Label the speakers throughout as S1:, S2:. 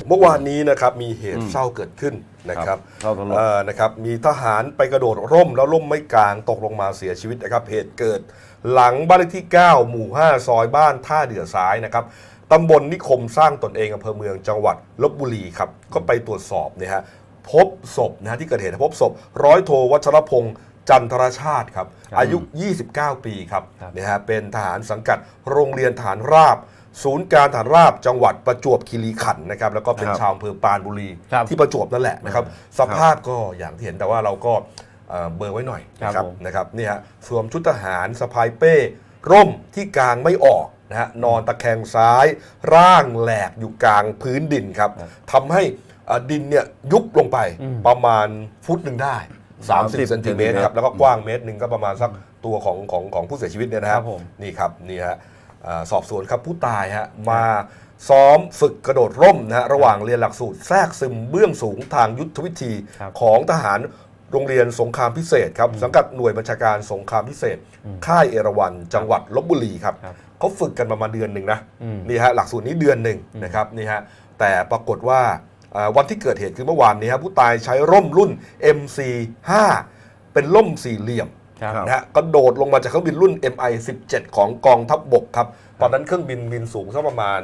S1: เมื่อวานนี้นะครับมีเหตุเศร้าเกิดขึ้นนะครับนะครับมีทหารไปกระโดดร่มแล้วร่มไม่กลางตกลงมาเสียชีวิตนะครับเหตุเกิดหลังบ้านเลขที่ 9 หมู่ 5 ซอยบ้านท่าเดือซ้ายนะครับตำบลนิคมสร้างตนเองอำเภอเมืองจังหวัดลพบุรีครับก็ไปตรวจสอบเนี่ยฮะพบศพนะที่เกิดเหตุพบศพร้อยโทวัชรพงษ์จันทรชาติครับอายุ 29 ปีครับนะฮะเป็นทหารสังกัดโรงเรียนทหารราบศูนย์การทหารราบจังหวัดประจวบคีรีขันธ์นะครับแล้วก็เป็นชาวอำเภอปรานบุรีที่ประจวบนั่นแหละนะครับสภาพก็อย่างที่เห็นแต่ว่าเราก็เบอร์ไว้หน่อยนะครับนี่ฮะสวมชุดทหารสะพายเป้ร่มที่กลางไม่ออกนะฮะนอนตะแคงซ้ายร่างแหลกอยู่กลางพื้นดินครับทำให้ดินเนี่ยยุบลงไปประมาณฟุตหนึ่งได้30 เซนติเมตรครับแล้วก็กว้างเมตรหนึ่งก็ประมาณสักตัวของผู้เสียชีวิตเนี่ยนะครับนี่ครับนี่ฮะสอบสวนครับผู้ตายฮะมาซ้อมฝึกกระโดดร่มนะฮะระหว่างเรียนหลักสูตรแทรกซึมเบื้องสูงทางยุทธวิธีของทหารโรงเรียนสงครามพิเศษครับสังกัดหน่วยบัญชาการสงครามพิเศษค่ายเอราวัณจังหวัดลพบุรีครับเขาฝึกกันประมาณเดือนหนึ่งนะนี่ฮะหลักสูตรนี้เดือนหนึ่งนะครับนี่ฮะแต่ปรากฏว่าวันที่เกิดเหตุคือเมื่อวานนี้ครับผู้ตายใช้ร่มรุ่น MC5 เป็นร่มสี่เหลี่ยมนะฮะกระโดดลงมาจากเครื่องบินรุ่น MI17 ของกองทัพบกครับตอนนั้นเครื่องบินสูงสักประมาณ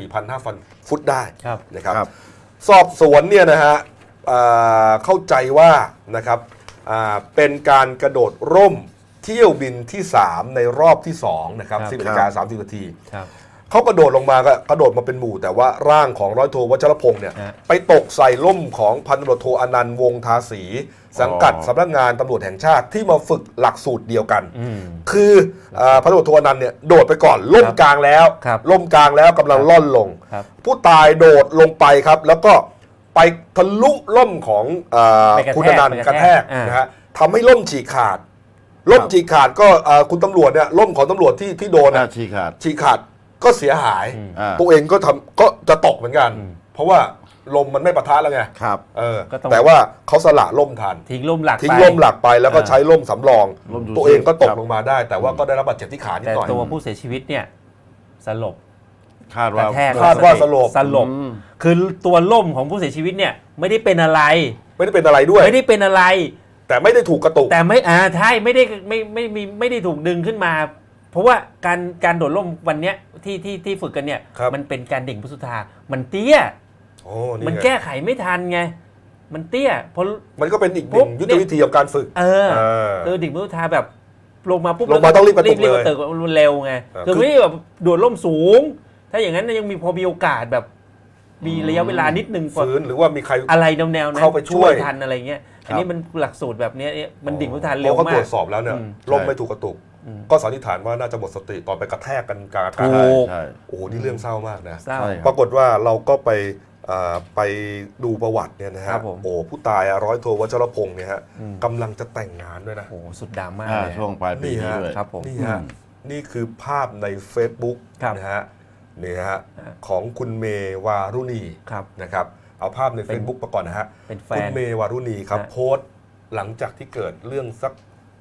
S1: 4,500 ฟุตได้นะครับสอบสวนเนี่ยนะฮะเข้าใจว่านะครับเป็นการกระโดดร่มเที่ยวบินที่ 3 ในรอบที่2นะครับ 10:30 นาทีเขากระโดดลงมาก็กระโดดมาเป็นหมู่แต่ว่าร่างของร้อยโทวัชรพงษ์เนี่ยไปตกใส่ร่มของพันตำรวจโทอนันต์วงศ์ทาสีสังกัดสำนักงานตำรวจแห่งชาติที่มาฝึกหลักสูตรเดียวกันคือพันตำรวจโทอนันต์เนี่ยโดดไปก่อนล่มกลางแล้วล่มกลางแล้วกำลังล่อนลงผู้ตายโดดลงไปครับแล้วก็ไปทะลุล่มของคุณอนันต์กระแทกนะฮะทำให้ล่มฉีกขาดก็คุณตำรวจเนี่ยล่มของตำรวจที่โดนฉีกขาดก็เสียหายตัวเองก็จะตกเหมือนกันเพราะว่าลมมันไม่ปะทะแล้วไงแต่ว่าเขาสละล่มทัน
S2: ทิ้งล่มหลั
S1: กไปแล้วก็ใช้ล่มสำรองตัวเองก็ตกลงมาได้แต่ว่าก็ได้รับบาดเจ็บที่ขานิดหน่อย
S2: แต่ตัวผู้เสียชีวิตเนี่ยสลบ
S1: คาดว่าสลบ
S2: คือตัวล่มของผู้เสียชีวิตเนี่ยไม่ได้เป็นอะไร
S1: ด้วย
S2: ไม่ได้เป็นอะไร
S1: แต่ไม่ได้ถูกกระตุก
S2: แต่ไม่ใช่ไม่ได้ถูกดึงขึ้นมาเพราะว่าการโดดร่มวันเนี้ยที่ฝึกกันเนี่ยมันเป็นการดิ่งพุทธามันเตี้ยมันแก้ไขไม่ทันไงมันเตี้ยเพราะ
S1: มันก็เป็นอีกหนึ่งยุทธวิธีของการฝึก
S2: ดิ่งพุทธาแบบลงมาปุ๊บ
S1: ต้องรีบกระตุกเลย
S2: เร็วไงคือไม่ได้แบบโดดร่มสูงถ้าอย่างนั้นยังพอมีโอกาสแบบมีระยะเวลานิดนึง
S1: ฝืนหรือว่ามีใคร
S2: อะไรแนวๆนั้น
S1: เข้าไปช่วย
S2: ทันอะไรเงี้ยอันนี้มันหลักสูตรแบบนี้มันดิ่งพุทธาเร็วมาก
S1: เขาตรวจสอบแล้วเนี่ยร่มไม่ถูกกระตุกก็สันนิษฐานว่าน่าจะหมดสติตอนไปกระแทกกันกลางอากาศโอ้โหนี่เรื่องเศร้ามากนะปรากฏว่าเราก็ไปดูประวัติเนี่ยนะฮะโอ้ผู้ตายร้อยโทวัชรพงษ์เนี่ยฮะกำลังจะแต่งงานด้วยนะ
S2: โอ้สุดดราม่า
S3: ช่วงปลายปีนี้ด้วย
S2: ครับผม
S1: นี่คือภาพใน Facebook นะฮะนี่ฮะของคุณเมวารุณีนะครับเอาภาพใน Facebook มาก่อนนะฮะคุณเมวารุณีครับโพสต์หลังจากที่เกิดเรื่องสัก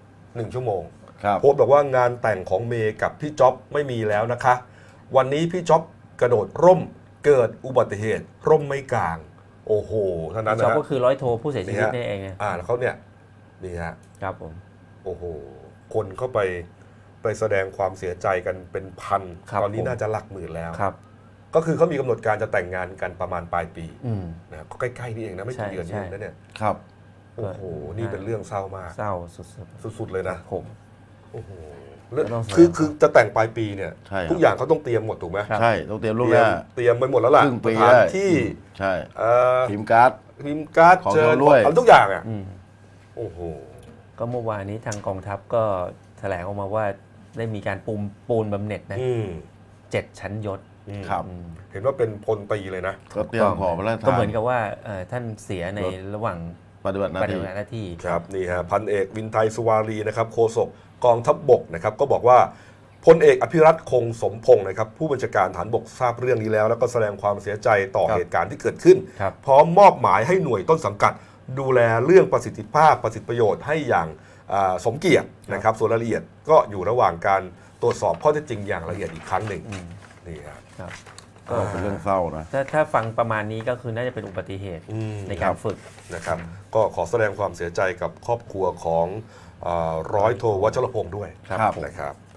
S1: 1 ชั่วโมงโพสต์บอกว่างานแต่งของเมย์กับพี่จ๊อบไม่มีแล้วนะคะวันนี้พี่จ๊อบกระโดดร่มเกิดอุบัติเหตุร่มไม่กลางโอ้โหเท่านั้นนะ
S2: จ๊อบก็คือร้อยโทผู้เสียชีวิตนี่เอง
S1: แล้วเขาเนี่ยนี่ฮะ
S2: ครับผม
S1: โอ้โหคนเข้าไปแสดงความเสียใจกันเป็นพันตอนนี้น่าจะหลักหมื่นแล้วก็คือเขามีกำหนดการจะแต่งงานกันประมาณปลายปีนะก็ใกล้ๆนี่เองนะไม่กี่เดือนนี่นะเนี่ย
S3: ครับ
S1: โอ้โหนี่เป็นเรื่องเศร้ามาก
S2: เศร้า
S1: สุดเลยนะ
S2: ผม
S1: โอ้โหคือจะแต่งปลายปีเนี่ยทุกอย่างเขาต้องเตรียมหมดถูกไหม
S3: ใช่ต้องเตรียมล่วงหน้า
S1: เตรียมไปหมดแล้วล่ะ
S3: สถาน
S1: ที่
S3: ใช่พิมพ์การ์ด
S1: เจอทุกอย่างอ่ะโอ้โห
S2: ก็เมื่อวานนี้ทางกองทัพก็แถลงออกมาว่าได้มีการปูนบำเหน็จนะ7 ชั้นยศ
S1: ครับเห็นว่าเป็นพลตรีเลยนะ
S3: ก็เตรียมขอพระราชทาน
S2: ก็เหมือนกับว่าท่านเสียในระหว่าง
S3: ปฏิบัติหน้าที่
S1: ครับนี่ฮะพันเอกวินไทยสุวารีนะครับโฆษกกองทัพบกนะครับก็บอกว่าพลเอกอภิรัตคงสมพงศ์นะครับผู้บัญชาการฐานบกทราบเรื่องนี้แล้วก็แสดงความเสียใจต่อเหตุการณ์ที่เกิดขึ้นพร้อมมอบหมายให้หน่วยต้นสังกัดดูแลเรื่องประสิทธิภาพประสิทธิประโยชน์ให้อย่างสมเกียรตินะครับส่วนรายละเอียดก็อยู่ระหว่างการตรวจสอบข้อเท็จจริงอย่างละเอียดอีกครั้งหนึ่งนี่ครับ
S3: ก็เป็นเรื่องเศร้านะ
S2: ถ้าฟังประมาณนี้ก็คือน่าจะเป็นอุบัติเหตุในการฝึก
S1: นะครับก็ขอแสดงความเสียใจกับครอบครัวของร้อยโทวัชรพงศ์ด้วยนะครับ